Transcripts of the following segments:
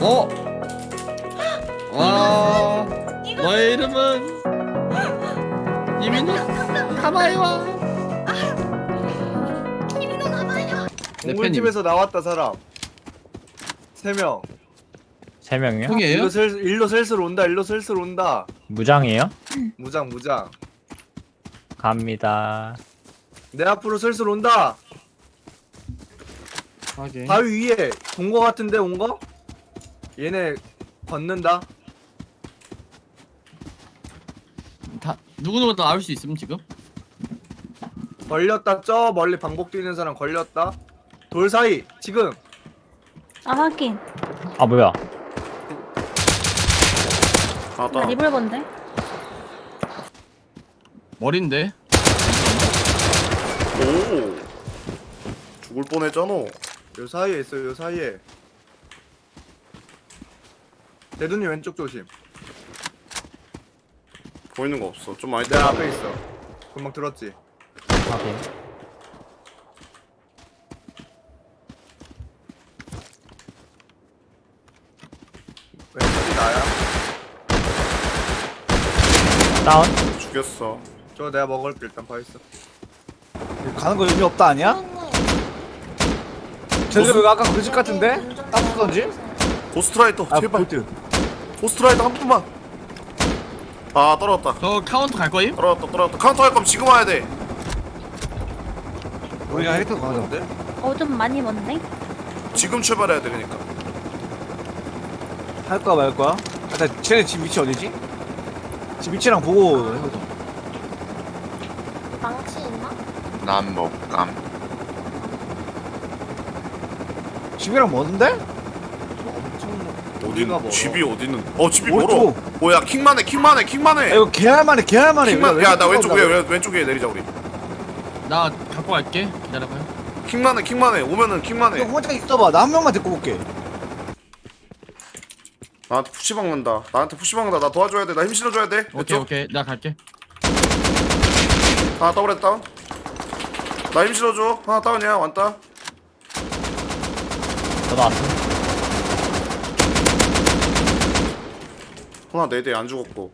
어? 와, 너의 이름은 이민우 카마이와. 이민우 가봐요. 동굴집에서 나왔다 사람 3명. 3명이요? 형이에요? 일로 슬슬 온다. 일로 슬슬 온다. 무장이에요? 무장. 갑니다. 내 앞으로 슬슬 온다. 확인. 바위 위에 본 거 같은데 온 거? 얘네 걷는다. 다 누구누구 다 나올 수 있음 지금? 걸렸다. 저 멀리 방복 뛰는 사람 걸렸다. 돌 사이 지금. 아 확인. 아 뭐야? 나 리볼버인데. 머린데. 오 죽을 뻔했잖아. 요 사이에 있어요. 요 사이에. 대두님 왼쪽 조심. 보이는 거 없어. 좀 많이 내 때려. 앞에 있어. 금방 들었지. 확인. 왼쪽이 나야. 다운. 죽였어. 저 내가 먹을게. 일단 봐 있어. 가는 거 의미 없다 아니야? 쟤들 왜 아까 그 집 같은데? 땅 쓰던지? 고스트라이더 아 제발. 볼트. 고스트라이더 한 번만. 아 떨어졌다. 저 카운터 갈 거임? 떨어졌다. 카운터 할 거면 지금 와야 돼. 우리가 헤리터 가는데? 좀 많이 먼데. 지금 출발해야 돼 그러니까. 할 거야 말 거야? 일단 쟤네 집 위치 어디지? 집 위치랑 보고 해보자. 망치 있나? 난 먹감. 집이랑 먼데? 어디가 멀어? 집이 어디 있는? 집이 오른쪽. 멀어. 뭐야 킹만해. 야, 이거 개할만해 킹만. 야나 왼쪽에 내리자 우리. 나 갖고 갈게. 기다려봐요. 킹만해. 오면은 너 킹만해. 혼자 있어봐. 나 한 명만 데리고 올게. 나한테 푸시 박는다. 나 도와줘야 돼. 나 힘 실어줘야 돼. 오케이 오케이. 나 갈게. 하나 더블헤드 다운. 나 힘 실어줘. 하나 다운이야. 왔다. 저도 왔어. 하나 4대 안 죽었고.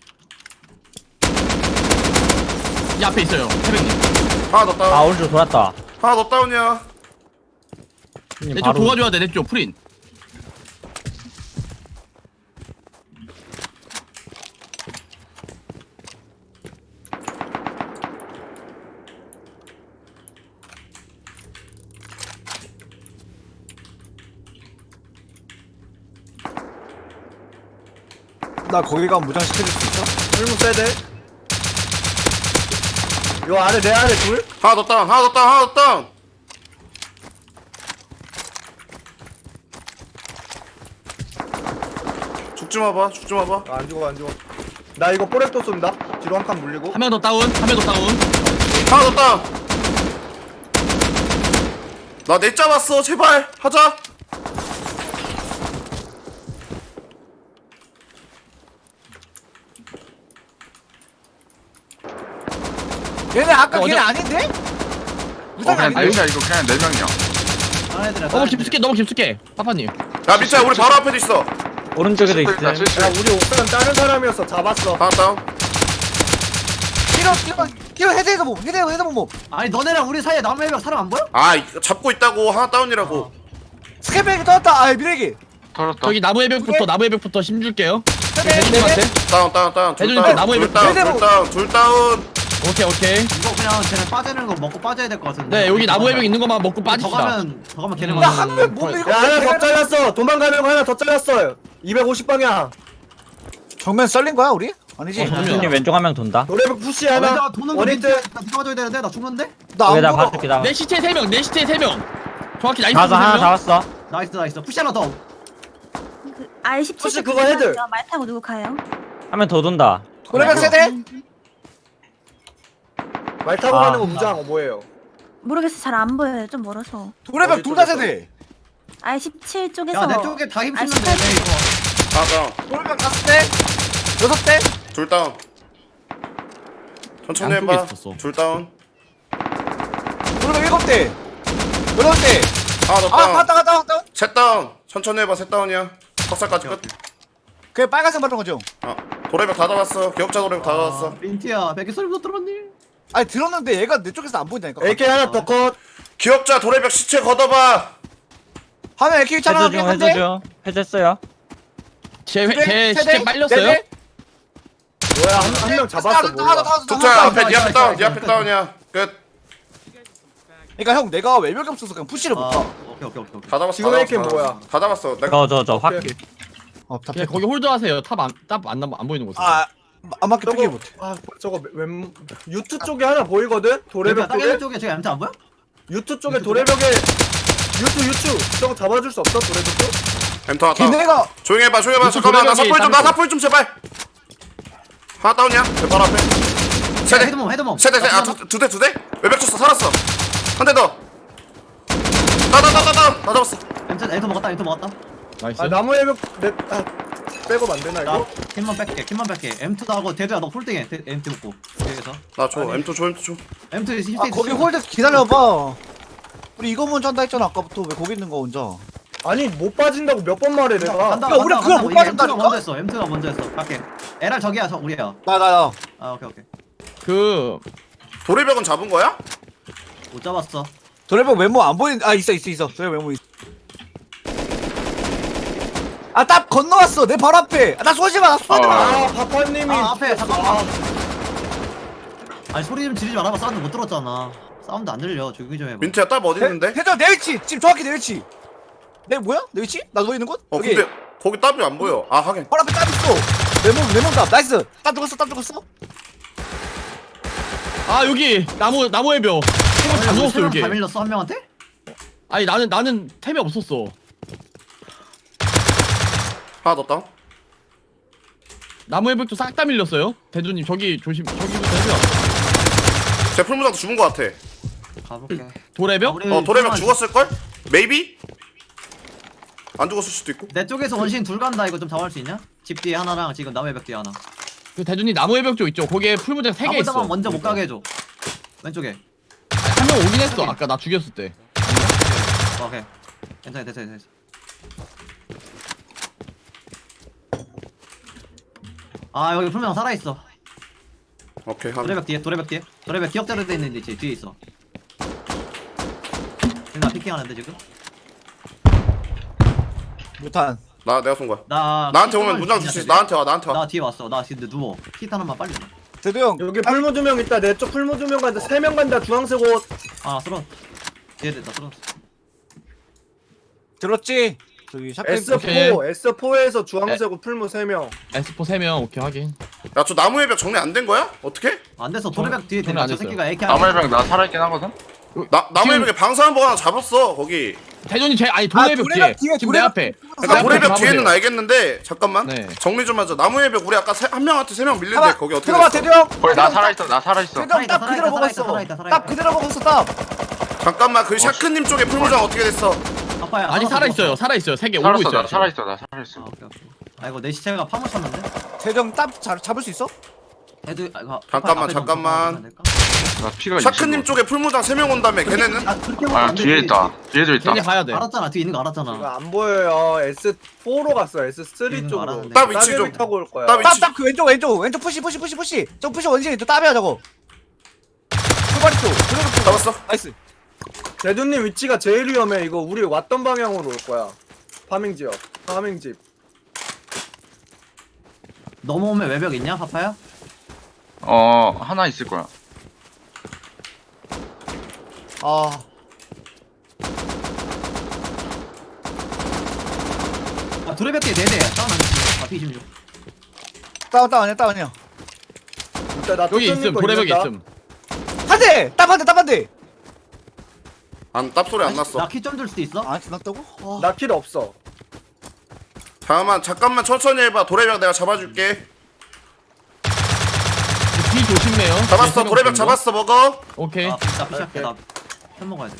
이 앞에 있어요. 태백님. 하나 더 다운. 아 오른쪽 돌았다. 하나 더 다운이야. 형님, 내 쪽 도와줘야 돼. 내 쪽 프린. 나 거기 가면 무장 시켜줄 수 있어? 풀무 세대. 요 아래 내 아래 둘. 하나 더 다운. 죽지 마봐. 아, 안 죽어. 나 이거 뽀레또 쏜다. 뒤로 한 칸 물리고. 한 명 더 다운. 한 명 더 다운. 하나 더 다운. 나 넷 잡았어. 제발 하자. 얘네 아까 어제- 걔네 아닌데? 무장 그냥 아닌데? 넷이야 이거 그냥 4명이야. 너무 깊숙해. 파파님. 야 밑에 우리 바로 앞에도 있어. 오른쪽에도 있어. 야, 우리 옥상 다른 사람이었어. 잡았어. 하나 다운. 키로 헤드에서 뭐 헤드 뭐 아니 너네랑 우리 사이에 남의 명 사람 안 보여? 아 이거 잡고 있다고. 하나 다운이라고. 스케백이 떠났다. 아 미래기. 털었다. 저기 나무 해벽부터 힘 줄게요. 헤드 대준님한테. 다운. 해주니까 나무에 둘 다운. 오케이. 이거 그냥 쟤네 빠지는 거 먹고 빠져야 될 것 같은데. 네 여기 나무 해벽 있는 것만 먹고 더 빠집시다. 가면 걔네 나 한 명 못 밀고. 야, 하나 더 잘랐어. 도망가는 거 하나 더 잘랐어. 250방향. 정면 썰린 거야 우리? 아니지? 형님 왼쪽 한 명 돈다. 노래북 푸시 나 하나. 도는 거 원히트. 나 도와줘야 되는데 나 죽는데? 나안 여기다 먹어. 봐줄게 나. 내 시체 3명. 내 시체 3명. 정확히 나이스. 가서 하나 3명. 잡았어. 나이스 푸시 하나 더. 그 R17 혹시 그거 헤드? 말 타고 누구 가요? 한 명 더 돈다. 노래방 세대? 말 타고 아. 가는 거 무장 뭐예요? 모르겠어. 잘 안 보여요. 좀 멀어서. 노래방 둘 다 세대. R17 쪽에서. 야 내 쪽에 다 힘쓰는데 아, 내 이거. 하나 다운. 노래방 5대? 6대? 둘 다운. 천천히 양쪽에 해봐. 있었어. 둘 다운. 노래방 7대. 8대. 하나 더 아 다운. 갔다. 셋 다운. 천천히 해봐. 셋 다운이야. 석살까지 끝. 그게 빨간색 말한 거죠? 도래벽 다 잡았어. 기억자 도래벽 다 잡았어. 민트야 베개 소리 못 들었니? 아니 들었는데 얘가 내 쪽에서 안 보인다니까. AK 하나 더 컷. 기억자 도래벽 시체 걷어봐. 화면 AK 해제 촬영하게 중 했는데. 해제 중 해제했어요. 제 시체 빨렸어요? 뭐야 한 명 잡았어 뭐야. tuk자 앞에 니 앞에 다운. 니 앞에 다운이야. 끝. 그러니까 형 내가 외벽이 없어서 그냥 푸시를 못 하. 오케이. 다 잡았어. 지금 다 AK 잡았어. 뭐야? 다 잡았어. 내가 저 확. 다 그냥 거기 홀드하세요. 안 보이는 곳에. 안 맞게 피기 저거 못해. 저거 웬 유투 쪽에 하나 보이거든? 도래벽 땅 쪽에? 쪽에 저기 엠트 안 보여? 유투 쪽에 도래벽에 유투 저거 잡아줄 수 없어 도래벽 쪽? 엠터 하나 다운. 걔네가 조용히 해봐. 잠깐만. 나 사풀 좀 제발. 하나 다운이야. 내 바로 앞에. 세대. 헤드몸. 세대. 두 대. 외벽 쳤어. 살았어. 한 대 더. 나 잡았어. 엠트 먹었다. 나이스. 아 나무 해벽 빼고 안 되나 나 이거? 킴만 뺄게. 엠트도 하고 데드야 너 홀딩해. 엠트 먹고. 여기서. 나 줘. M2 줘. 엠트 아 10대 거기 홀드 기다려봐. 우리 이거 먼저 한다 했잖아 아까부터. 왜 거기 있는 거 혼자? 아니 못 빠진다고 몇 번 말해 내가. 야, 우리 그걸 못 빠졌다니까? 엠트가 먼저 했어. 갈게. 에랄 저기야 우리야. 나. 아 오케이. 그 도래벽은 잡은 거야? 못 잡았어. 도래벽 메모 안 보인. 아 있어. 도래벽 메모 있어. 딱 건너왔어. 내 바로 앞에. 나 쏘지 마. 아 파파님이 앞에 잠깐만. 아니 소리 좀 지르지 말아봐. 사운드 못 들었잖아. 사운드 안 들려. 조용히 좀 해봐. 민트야 딱 어디 있는데? 대전 내 위치. 지금 정확히 내 위치. 내 뭐야? 내 위치? 나 누워 있는 곳? 여기. 근데 거기 답이 안 보여. 아 하긴. 바로 앞에 딱 있어. 레몬 답. 나이스. 딱 죽었어. 아 여기 나무 해벽. 템을 다 넣었어 여기. 다 밀렸어 한 명한테? 아니 나는 템이 없었어. 하나 더 다운. 나무 해벽도 싹 다 밀렸어요. 대두님 저기 저기부터 해줘요. 제 풀무장도 죽은 거 같아. 가볼게. 도래벽? 도래벽 죽었을걸? 메이비? 안 죽었을 수도 있고. 내 쪽에서 원신 둘 간다. 이거 좀 잡을 수 있냐? 집 뒤에 하나랑 지금 남의 벽 뒤에 하나. 그 대두님 나무 해벽 쪽 있죠. 거기에 풀무장 3개 있어. 아무데나 먼저 못 가게 해줘. 왼쪽에. 한 명 오긴 했어. 아까 나 죽였을 때. 오케이. 괜찮아 됐어. 아 여기 풀명 살아 있어. 오케이 한. 도래벽 뒤에. 도래벽 기억자로 돼 있는데 뒤에 있어. 나 피킹하는데 지금? 무탄. 내가 쏜 거야. 나 나한테 오면 문장 줄 수 있어. 나한테 와. 나 뒤에 왔어. 나 지금 누워. 킷 하나만 빨리. 대도 형. 여기 풀무 2명 있다. 내 쪽 풀무 2명 간다. 3명 간다. 주황색 옷. 아 쓰러. 뒤에 됐다 쓰러. 들었지? 저기 샷건. 오케이. S4에서 주황색 옷 풀무 3명. S4 3명 오케이 확인. 야 저 나무 해벽 정리 안 된 거야? 어떻게? 안 됐어. 도래벽 뒤에 저는 됐다. 안 저 됐어요. 새끼가 AK 나무해병 나 살아있긴 하거든? 나무 지금- 해벽에 방사한 거 하나 잡았어 거기. 대두님 아니 도래벽 도래벽 뒤에. 지금 내 도래벽 앞에. 그러니까 내 도래벽 앞에 뒤에는 가보세요. 알겠는데 잠깐만. 네. 정리 좀 하자. 나무 해벽 우리 아까 한 명한테 3명 밀린데 거기 어떻게 들어봐 됐어? 대도 형. 거기 나 살아있어. 대도 형딱 그대로 먹었어. 살아있다. 딱 그대로 먹었어 딱. 잠깐만 그 샤크님 쪽에 풀무장 어떻게 됐어? 아빠야. 아니 살아있어요. 3개 오고 살았어, 있어요. 나 살아있어. 나 살아있어. 아, 오케이. 아이고 내 시체가 파묻혔는데? 대도 형딱 잡을 수 있어? 애들 잠깐만. 나 피가 샤크님 쪽에 풀무장 3명 온다며 걔네는? 아 그렇게 아, 뒤에 있다. 뒤에도 있다. 걔네 가야 돼. 알았잖아. 뒤에 있는 거 이거 알았잖아. 안 보여요. S4로 갔어. 있는 S3 거 쪽으로. 알았는데. 딱 위치 좀. 따개비 타고 올 거야. 딱 위치. 딱 그 왼쪽 푸시. 저 푸시 원신이 또 따배야 저거. 출발이 쪽. 그대로 쪽. 잡았어. 나이스. 대두님 위치가 제일 위험해. 이거 우리 왔던 방향으로 올 거야. 파밍 지역. 파밍집. 넘어오면 외벽 있냐 파파야? 하나 있을 거야. 아. 아 도래벽 뒤에 4대야. 다운 안 했어. 아 P26. 다운이야. 일단 나 여기 뚜껑님 있음. 거 도래벽에 있는다. 있음. 한 대. 딱 한 대. 땀 소리 안 났어. 나키 좀 줄 수도 있어? 안 지났다고? 아. 나 킬 없어. 잠깐만 천천히 해봐. 도래벽 내가 잡아줄게. 뒤 조심해요. 잡았어. 뒤에 도래벽 정도. 잡았어. 먹어. 오케이. 나 피시할게. 나편 먹어야 돼.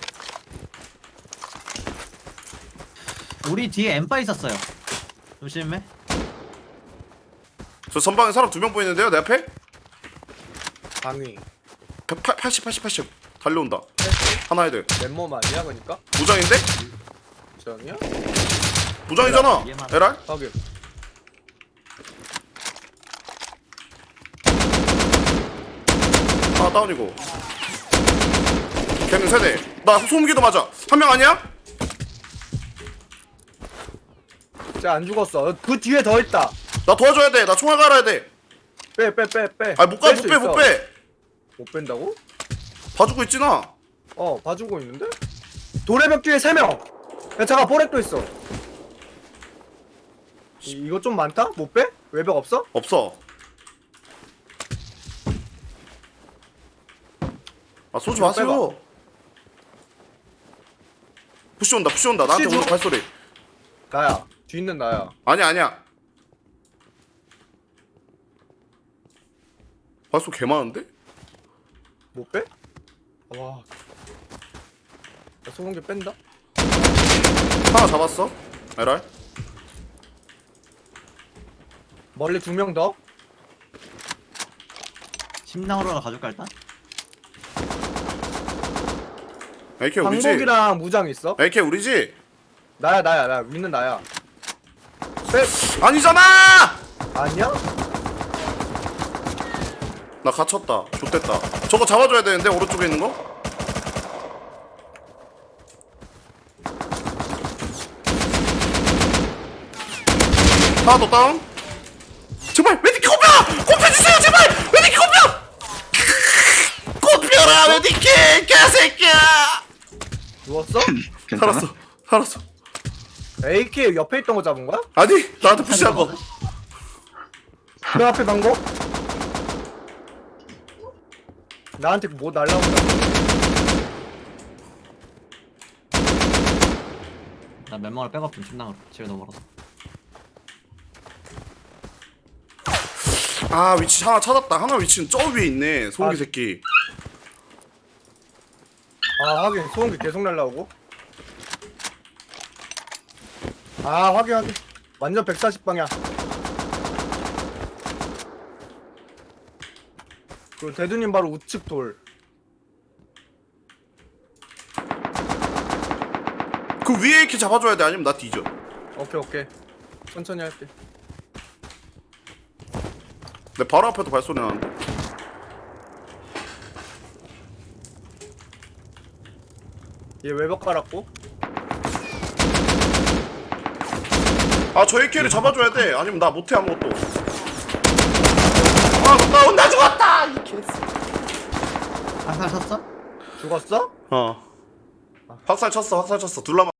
우리 뒤에 엠파 있었어요. 조심해. 저 전방에 사람 2명 보이는데요 내 앞에? 방위. 80 달려온다. 하나 헤드. 맨몸 아니야 그니까? 무장인데? 저형이야? 무장이잖아. 얘만. 에랄? 확인. 아 다운이고. 걔는 세대. 나 소음기도 맞아. 한 명 아니야? 쟤안 죽었어. 그 뒤에 더 있다. 나 도와줘야 돼. 나 총알 갈아야 돼. 빼. 아 못 가, 뺄 못 수 빼, 있어. 못 빼. 못 뺀다고? 봐주고 있지 나. 봐주고 있는데? 도래벽 뒤에 3명. 야 잠깐 보렉도 있어. 이거 좀 많다? 못 빼? 외벽 없어? 없어. 아 쏘지 빼봐. 마세요. 푸시 온다, 푸시 온다. 나한테 푸시 오는 줘. 발소리. 나야. 뒤 있는 나야. 아니야. 발소리 개 많은데? 못 빼? 와. 나 소금기 뺀다? 하나 잡았어. 에랄. 멀리 2명 더? 침낭으로 하나 가져올까 일단? AK 우리지? 방목이랑 무장 있어? AK 우리지? 나야. 나 위는 나야. 빼. 아니잖아! 아니야? 나 갇혔다. 좋됐다. 저거 잡아줘야 되는데 오른쪽에 있는 거? 하나 더 다운. 제발 메디키 꼽혀! 꼽혀주세요 제발! 메디키 꼽혀! 꼽혀라 메디키 개새끼야! 누웠어? 괜찮아? 살았어. AK 옆에 있던 거 잡은 거야? 아니 나한테 푸시한 거. 그 앞에 방법? 나한테 뭐 날라온다. 나 멤버를 백업 좀 침낭으로. 집에 너무 멀어서. 아 위치 하나 찾았다. 하나 위치는 저 위에 있네. 소고기 아. 새끼. 아 확인. 소음기 계속 날라오고. 아 확인. 완전 140방향. 그 대두님 바로 우측 돌. 그 위에 이렇게 잡아줘야 돼. 아니면 나 뒤져. 오케이. 천천히 할게. 내 바로 앞에도 발소리 나는데. 얘 외벽 깔았고. 아 저 AK를 잡아줘야 돼. 아니면 나 못해 아무것도. 아 나 죽었다. 이 개새. 한살 쳤어? 죽었어? 확살 쳤어. 둘 남았.